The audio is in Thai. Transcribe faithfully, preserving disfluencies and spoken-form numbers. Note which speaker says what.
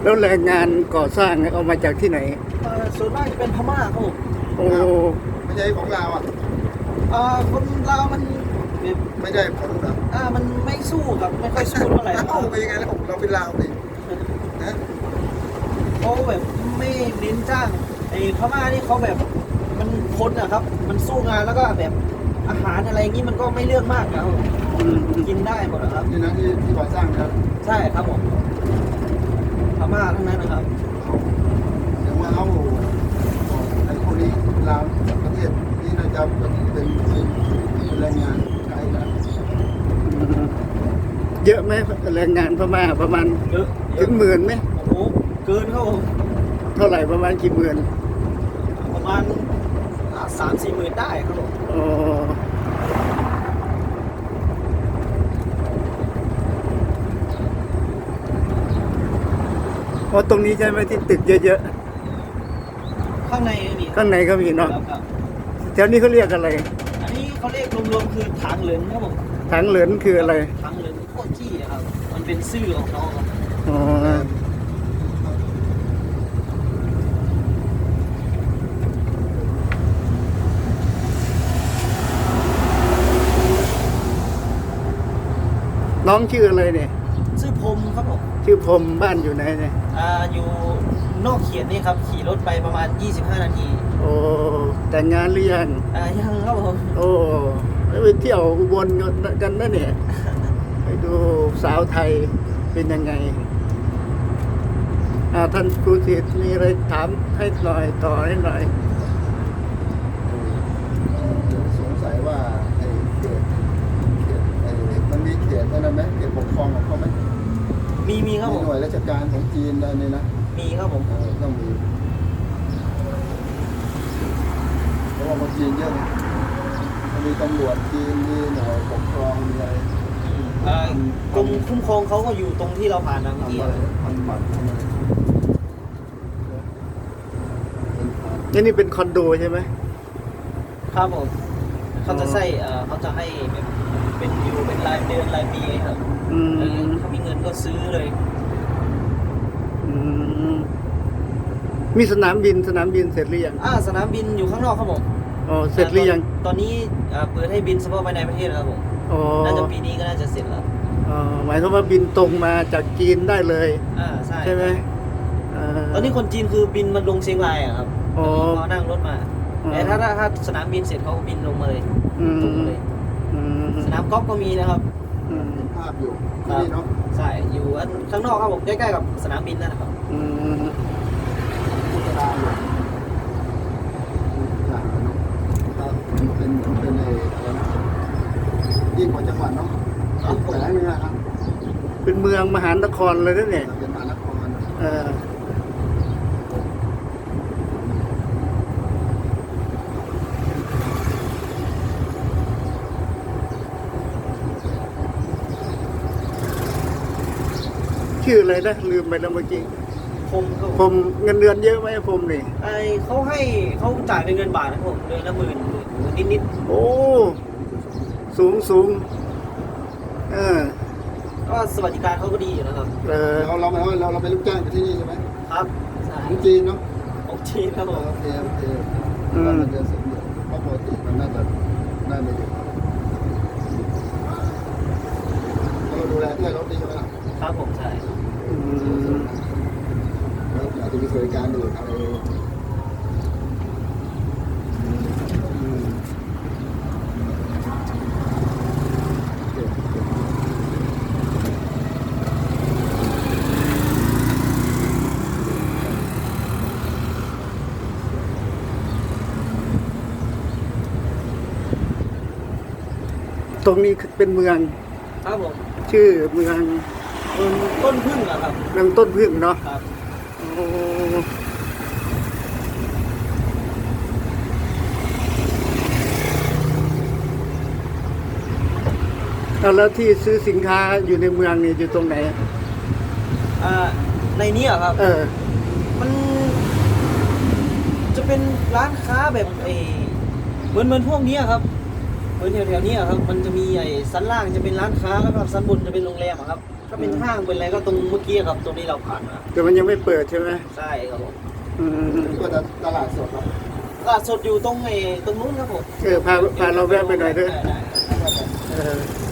Speaker 1: แล้วแรงงานก่อสร้างเอามาจากที่ไหน
Speaker 2: เอ่อส่วนมากจะเป็นพม่าครับผม
Speaker 1: โอ้
Speaker 3: ไม่ใช่ของเราอ่ะ
Speaker 2: เอ่อคนลาวมันแบบ
Speaker 3: ไม่ได้ผลเหรอ
Speaker 2: อ่ามันไม่สู้ครับไม่ค่อยสู้เท่าไหร่ครั
Speaker 3: เอ้า
Speaker 2: บ
Speaker 3: ไปยังไงแล้วผมเราเป็นลาวดินะ
Speaker 2: เขาแบบไม่เน้นจ้างไอ้พม่านี่เขาแบบมันคนอะครับ มันสู้งานแล้วก็แบบอาหารอะไรอย่างนี้มันก็ไม่เลือกมากนะครับกินได้หมดนะครับ
Speaker 3: นี่นะที่ที่ก่อสร้างนะครับ
Speaker 2: ใช่ครับผมพม่าทั้งนั้นนะครับ
Speaker 3: เดี๋ยวว่าเอาไอ้พวกนี้ลาวประเทศนี้น่าจะเป็นเป็นแรงงานไทยนะ
Speaker 1: เยอะไหมแรงงานพม่าประมาณ
Speaker 2: เยอะ
Speaker 1: ถึงหมื่นไหม
Speaker 2: โอ้โหเกินครับผม
Speaker 1: เท่าไหร่ประมาณกี่หมื่น
Speaker 2: ประมาณสามสี่หมื่นได้ครับผม
Speaker 1: อ๋อเพราะตรงนี้ใช่ไหมที่ตึกเยอะ
Speaker 2: ข้างในมี
Speaker 1: ๆข้างในก็มีเนาะ
Speaker 2: ครับ
Speaker 1: แถวนี้เขาเรียกอะไร
Speaker 2: อันนี้เขาเรียกรวมๆคือถังเหลินครับผม
Speaker 1: ถังเหลินคืออะไร
Speaker 2: ถังเหลินโคจี้ครับมันเป็นชื่อของเขาครับ
Speaker 1: อ๋อน้องชื่ออะไรเนี่ย
Speaker 2: ชื่อพรมครับผม
Speaker 1: ชื่อพรมบ้านอยู่ไหนเนี่ย
Speaker 2: อ่าอยู่นอกเขียนนี่ครับขี่รถไปประมาณยี่สิบห้านาที
Speaker 1: โอ้แต่งงานหรือยัง
Speaker 2: อ่ายังครับผม
Speaker 1: โอ้ไปเที่ยวอุบลกันนะเนี่ยไปดูสาวไทยเป็นยังไงอ่าท่านครูศิษย์มีอะไรถามให้หน่อยต่อให้หน่อย
Speaker 3: สงสัยว่าไอ้เขตเขตไอ้มันมีเขตอะไรไหมเขตปกครองของเขาไหม
Speaker 2: มีมีครับผม
Speaker 3: หน่วยราชการของจีนอะไรนี่นะ
Speaker 2: มีครับผม
Speaker 3: ต้องมีเพราะว่าคนจีนเยอะนะมีตำรวจจีนมีหน่วยปกครองมีอะไร
Speaker 2: กรมคุ้มครองเขาก็อยู่ตรงที่เราผ่านนะเมื่อกี้
Speaker 3: พันบัตรทำอะไร
Speaker 1: นี่นี่เป็นคอนโดใช่ไหม
Speaker 2: ครับผมเขาจะใส่เขาจะให้แบบเป็นอยู่เป็นรายเดือนรายปีครับเขามีเงินก็ซื้อเลย
Speaker 1: มีสนามบินสนามบินเสร็จหรือยัง
Speaker 2: อ่าสนามบินอยู่ข้างนอกครับผม
Speaker 1: อ๋อเสร็จหรือยัง
Speaker 2: ตอนนี้เปิดให้บินเฉพาะภายในประเทศครับผม
Speaker 1: อ๋อ
Speaker 2: น่าจะปีนี้ก็น่าจะเสร็จแล้ว
Speaker 1: อ๋อหมายถึงว่าบินตรงมาจากจีนได้เลย
Speaker 2: อ่าใช่
Speaker 1: ใช่ไหม
Speaker 2: ตอนนี้คนจีนคือบินมาลงเชียงรายอะครับอ๋อนั่งรถมาแต่ถ้าถ้าสนามบินเสร็จเขาบินลงมาเลยตรงเลยสนามกอล์ฟก็มีนะครับ
Speaker 3: ภาพอยู่นี่เนาะ
Speaker 2: ใช่อยู่ข้างนอกครับผมใกล้ๆกับสนามบินนั่นนะครับ
Speaker 3: พุทธาอยู่อย่างเนาะเป็นเป็นในอะไรนะยิ่งกว่าจังหวัดเนาะแหล่งนึงนะครับ
Speaker 1: เป็นเมืองมหานครเลยนะเนี่ย
Speaker 3: เป็นมหานคร
Speaker 1: เออชื่ออะไรนะลืมไปแล้วเมื่อกี้
Speaker 2: พม
Speaker 1: ผมเงินเดือนเยอะไหมผมนี่
Speaker 2: ไอเขาให้เขาจ่ายเป็นเงินบาทนะผมเดือนละหมื่นหมื่นนิดนิด
Speaker 1: โอ้สูงสูงเออ
Speaker 2: ก็สวัสดิการเขาก็ดีอยู่นะครับ
Speaker 3: เออเราเราเราเราเป็นลูกจ้างอยู่ที่นี่ใช่ไหม
Speaker 2: ครับใช่
Speaker 3: ของจีนเนาะ
Speaker 2: ของจีนครับผม
Speaker 3: โอเคโอเคก็มันจะสมดุลเพราะปกติมันน่าจะน่าไม่ดีเราดูแลด้วยรถดีใช่ไหมล่ะ
Speaker 2: ครับผมใช่
Speaker 3: แล้วอาจจะมีบริการอื่นอะไร
Speaker 1: ตรงนี้เป็นเมือง
Speaker 2: ครับผม
Speaker 1: ชื่อเมือง
Speaker 2: ต้นพึ่งอะครับ
Speaker 1: เมืองต้นพึ่งเนาะ
Speaker 2: ครับ
Speaker 1: โอ้แล้วที่ซื้อสินค้าอยู่ในเมืองนี่อยู่ตรงไหน
Speaker 2: อ่าในนี้อะครับ
Speaker 1: เออ
Speaker 2: มันจะเป็นร้านค้าแบบเอเหมือนเหมือนพวกนี้ครับเหมือนแถวๆนี้ครับมันจะมีไอ้ชั้นล่างจะเป็นร้านค้าแล้วก็ชั้นบนจะเป็นโรงแรมครับถ้าเป็นห้างเป็นอะไรก็ตรงเมื่อกี้ครับตรงนี้เราผ่านมา
Speaker 1: แต่มันยังไม่เปิดใช่ไหม
Speaker 2: ใช่ครับผม
Speaker 1: อืม
Speaker 3: ก็ตลาดสดครับ
Speaker 2: ตลาดสดอยู่ตรงไอ้ตรงนู้นครับผม
Speaker 1: เออพาพาเราแวะไปหน่อยเถอะ
Speaker 2: ได้ได้
Speaker 1: เออ